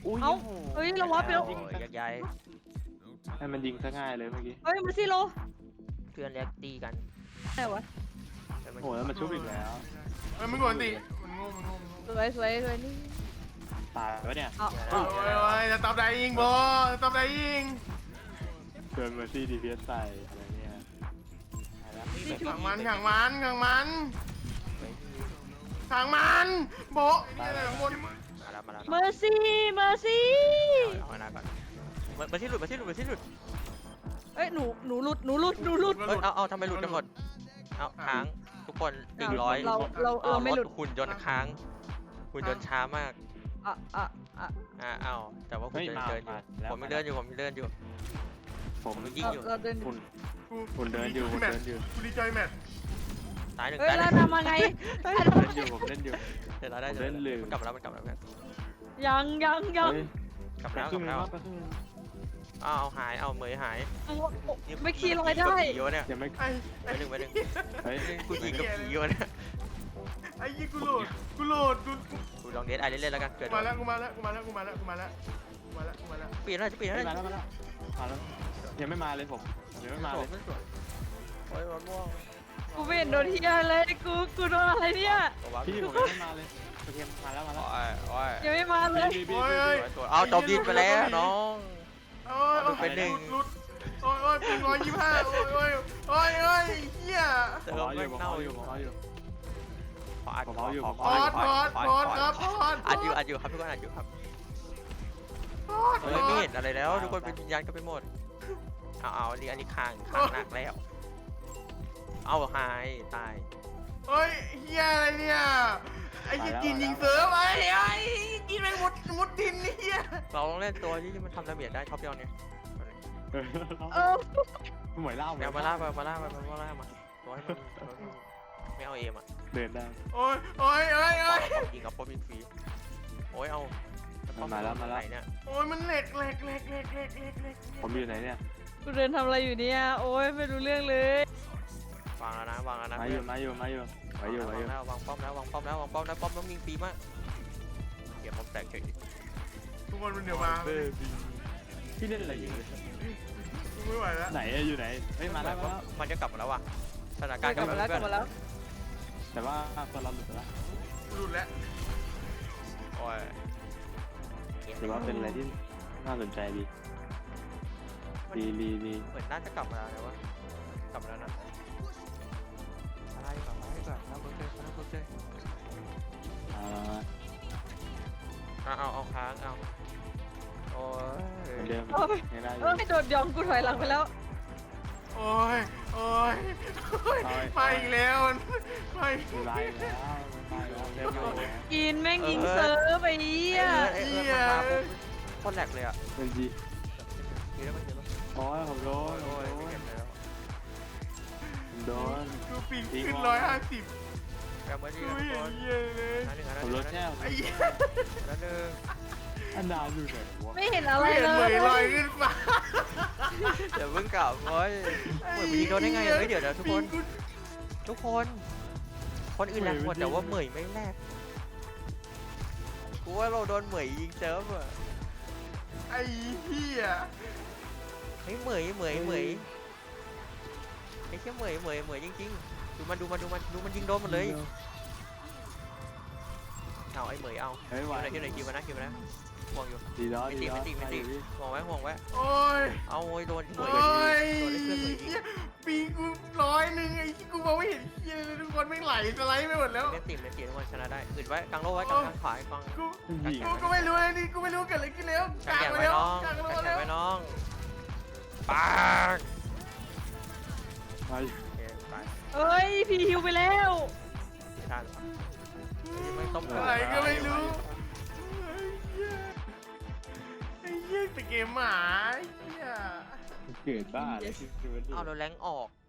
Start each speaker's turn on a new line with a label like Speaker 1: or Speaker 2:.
Speaker 1: อุ้ย
Speaker 2: เอ้าเฮ้ยเราวับไปแล้ว
Speaker 3: ยักย้าย
Speaker 1: ให้มันยิงซะง่ายเลยเมื่อกี้
Speaker 2: เฮ้ยมาซิโล
Speaker 3: เพื่อนเรียกตีกัน
Speaker 2: ไหนวะ
Speaker 1: โอ้แล้วมันชุบอีกแล้ว
Speaker 4: เอ้ยมึงกดสิมันโง่มันโง่มันโง่
Speaker 2: สวยสวยสวยนี่
Speaker 1: ตายวะเนี่ย
Speaker 2: เอา
Speaker 4: โอ้ยโอ้ยจะตอบได้ยิงบอจะตอบได้ยิง
Speaker 1: เกินเมอร์ซี่ดีพีเอสใส่อะไรเนี่ยตายแล้ว
Speaker 4: ขังมันขังมันขังมันขังมันโบะนี่อะไรข้างบน
Speaker 3: มาแล้วมาแล้ว
Speaker 2: เมอร์ซี่เมอร์ซี่
Speaker 3: เอาหน้าก่อนมาที่หลุดมาที่หลุดมาที่หลุด
Speaker 2: เอ้ยหนูหลุดหนูหลุดหนูหลุด
Speaker 3: เอ้ยเอาทำไมหลุดกันหมดเอาค้างทุกคน100
Speaker 2: เราไม่หลุด
Speaker 3: หุ่นยนต์ค้างหุ่นยนต์ช้ามาก
Speaker 2: อ่ะอ่ะอ่ะ
Speaker 3: เอาแต่ว่าคุณเดินอยู่ผมยังเดินอยู่ผมยังเดินอยู่
Speaker 1: ผม
Speaker 3: ยิงอยู่
Speaker 2: เราเดิน
Speaker 1: คุณเดินอยู่ผมเดินอยู่
Speaker 4: กูดีใจแมท
Speaker 3: ตายหนึ่ง
Speaker 2: เฮ้ย
Speaker 3: ตายห
Speaker 2: เรา
Speaker 3: นึ่ง
Speaker 2: ทำมาไง
Speaker 1: ผมเล่นอยู่ผมเล่นอยู่
Speaker 3: เดี๋ยวเราได้
Speaker 1: ผมเล่นลืม
Speaker 3: มันกลับมาแล้วมันกลับมาแล้ว
Speaker 2: ยังยังยัง
Speaker 1: เฮ้ย
Speaker 3: กลับ
Speaker 1: ไป
Speaker 3: มาแล้ว
Speaker 1: ค
Speaker 3: ก
Speaker 1: รึ่
Speaker 3: ลั
Speaker 1: ง
Speaker 3: บ
Speaker 1: นึ
Speaker 3: มาง แล้ว
Speaker 1: ไปครึ่งนึง
Speaker 3: เอาหายเอาเหมยหาย
Speaker 2: ไม่ขี่ลอยได้
Speaker 3: เยอะเนี่ย
Speaker 1: ยังไม่
Speaker 4: ไอ้
Speaker 3: ไปหนึ่ง
Speaker 1: เฮ้ย
Speaker 3: กูยิงกับผีเยอะเนี่ย
Speaker 4: ไอ้ยี่กูโหลดกูโหลดกู
Speaker 3: กูลองเดทไอเล่นๆแล้วกันเกิด
Speaker 4: มาแล้วกูมาแล้วกูมาแล้วกูมาแล้วกูมาแล้วกูมาแล้วกูมาแล้ว
Speaker 3: เปลี่ยนอะไรจะเปลี่ยนอะไร
Speaker 1: มาแล้วมาแล้วมาแล้วยังไม่มาเลยผมยังไม่มาเลย
Speaker 3: โอ้ยร้อนม่วง
Speaker 2: กูไม่เห็นโดนที่อะไรกูโดนอะไรเนี่ย
Speaker 1: พี่ผมยังไม่มาเลยโอเคมาแล้วมาแล้ว
Speaker 3: โอ้ยโอ้ย
Speaker 2: ยังไม่มาเลย
Speaker 1: พี่
Speaker 3: เอาจบดินไปแล้วน้อง
Speaker 4: โอ้ยลุดโอ้ยโอ้ยเป็น125โอ้ยโอ้ยโอ้ยโอ้ยเฮีย
Speaker 3: เติ
Speaker 1: ผม
Speaker 3: ม
Speaker 1: เอาอ
Speaker 3: ไม่
Speaker 1: ยู่ผม
Speaker 3: เน่า
Speaker 1: เอาอ
Speaker 3: อยู่ ยู่
Speaker 1: ผมเอาอยู่
Speaker 3: ขออัด
Speaker 1: ผมเอาอยู่
Speaker 4: พอดพอดพอดครับพอด
Speaker 3: อัดอยู่ครับทุกคนอัดอยู่ครับ
Speaker 4: พอด
Speaker 3: เฮ้ยไม่เห็นอะไรแล้วทุกคนเป็นวิญญาณกันไปหมดเอาอันนี้ค้างหนักแล้วเอาหายตาย
Speaker 4: เฮ้ยเฮียอะไรเนี่ยไอ้จีนยิงเสือไปไอ้จีนแม่งมุดดินเฮีย
Speaker 3: เราต้องเล่นตัวที่มันทำดาเมจได้ท็อปยอดเนี่ย
Speaker 2: เออ
Speaker 1: หมวยเล่า
Speaker 3: แมวมาล่ามาตัวให้มันไม่เอาเอมอ่ะ
Speaker 1: เดินได้
Speaker 4: โอ้ยโอ้ยโอ้ยโอ้ย
Speaker 3: ยิงกับโปรบินฟรีโอ้ยเอาเนี่ย
Speaker 4: โอ้ยมันเหล็ก
Speaker 1: ผมอยู่ไหนเนี่ย
Speaker 2: กูเดินทำอะไรอยู่เนี่ยโอ้ยไม่รู้เรื่องเลยว
Speaker 3: างแล้วนะ
Speaker 1: มาอยู่มาอยู่มาอยู่มาอยู่มาอยู่
Speaker 3: วางป้อมแล้วป้อมต้องยิงปีมากเกียร์ป้อมแตกเฉย
Speaker 4: ทุกคนมันเดี๋ยวมา
Speaker 1: พี่เล่นอะไรอยู่
Speaker 4: กูไม่ไหวแล้ว
Speaker 1: ไหนอยู่ไหนเฮ้ยมาแล้วมาแล้ว
Speaker 3: มันจะกลับมาแล้วว่ะสถานการณ์
Speaker 2: กลับมาแล้วกลับมาแล้ว
Speaker 1: แต่ว่าตัวเราหลุดไปแล้ว
Speaker 4: หลุดแล้ว
Speaker 3: โอ้ย
Speaker 1: ถือว่าเป็นอะไรที่น่าสนใจดีดี
Speaker 3: เหมือนน่าจะกลับมาแล้วแต่ว่ากลับมาแล้วนะอะไรก่อนแล้วเบิร์กเลยเอาค้างเอาโอ้ย
Speaker 1: เหมือนเดิมยังได้อ
Speaker 2: เอยู่ อไม่โดนยองกูถอยหลังไปแล้ว
Speaker 4: โอ้ยโอ้ยมาอีกแล้วมา
Speaker 1: ไม่ได้แล้วไม่ได้แล้วเริ่มอยู่แล้ว
Speaker 2: กินแม่งยิงเซิร์ฟไปเหี้ย
Speaker 3: มาโคตรแหลกเลยอ่ะ
Speaker 1: เป็นจี
Speaker 3: เยอะมาก
Speaker 1: โอ้ยผมโดน
Speaker 3: โอ้ยไม่เก็บเลยแล้ว
Speaker 1: ผมโดน
Speaker 4: กูปิงขึ้น150
Speaker 3: กลับมาดี
Speaker 4: กู
Speaker 3: นะทุก
Speaker 4: เห็
Speaker 3: คน น
Speaker 4: เหี้ยเลย
Speaker 3: อันหนึ่ง
Speaker 1: ผมรถแช่
Speaker 4: ไอ้เหี้ย
Speaker 3: อันหนึ่ง
Speaker 1: อันดาอยู่ไหนวะ
Speaker 2: ไม่เห็นอะไร
Speaker 4: เห็น
Speaker 2: เล
Speaker 4: เหมยลอย
Speaker 2: ย
Speaker 4: ขึ้นฟ้า
Speaker 3: เดี๋ยวเพิ่งกลับโอ้ยเหมือนยิงโดนได้ไงเฮ้ยเดี๋ยวทุกคนคนอื่นแหลกหมดแต่ว่าเหมยไม่แหลกกูว่าเราโดนเหมยยิงเซิร์ฟอ่ะ
Speaker 4: ไอ้เหี้ย
Speaker 3: เฮ้ยเหมยไอ้แค่เหมยจริงๆดูมันยิงโดนหมดเลยเอาไอ้เหมยเอา
Speaker 1: เฮ้ยไหว
Speaker 3: คิวไหนห่วงอยู่
Speaker 1: ดีแล้วดีแล้ว
Speaker 3: ห่วงไว้
Speaker 4: โอ้ย
Speaker 3: เอาโอ้ยโดนเหม
Speaker 4: โอ้
Speaker 3: ย
Speaker 4: ย
Speaker 3: โดนเพื่อนเหมยยิง
Speaker 4: ปิงกู100ไอ้กูมองไม่เห็นเหี้ยเลยทุกคนไม่ไหลสไลด์ไปหมดแล้ว
Speaker 3: เล่นทีมทุกคนชนะได้อึดไว้กลางโลไว้กลางขวากลาง
Speaker 4: กูไม่รู้เลยนี่กูไม่รู้เกิดอะไรขึ้นแล้วกลาง
Speaker 3: แข่ง
Speaker 4: ไป
Speaker 3: ไว้
Speaker 4: แล้ว
Speaker 3: น้อง
Speaker 4: กลางไป
Speaker 3: แข่ง
Speaker 4: แล้ว
Speaker 3: ไว้น้องปาก
Speaker 1: ไป
Speaker 3: ตาย
Speaker 2: เอ้ยพี่ฮิวไปแล้ว
Speaker 3: ไม่ได้หรอไม่ต้ม
Speaker 4: อะไรก็ไม่รู้ไอ้เหี้ยแต่เกมหมาไอ้เหี้ย
Speaker 1: เกิดบ้าเลย
Speaker 3: เอาเราแรงออก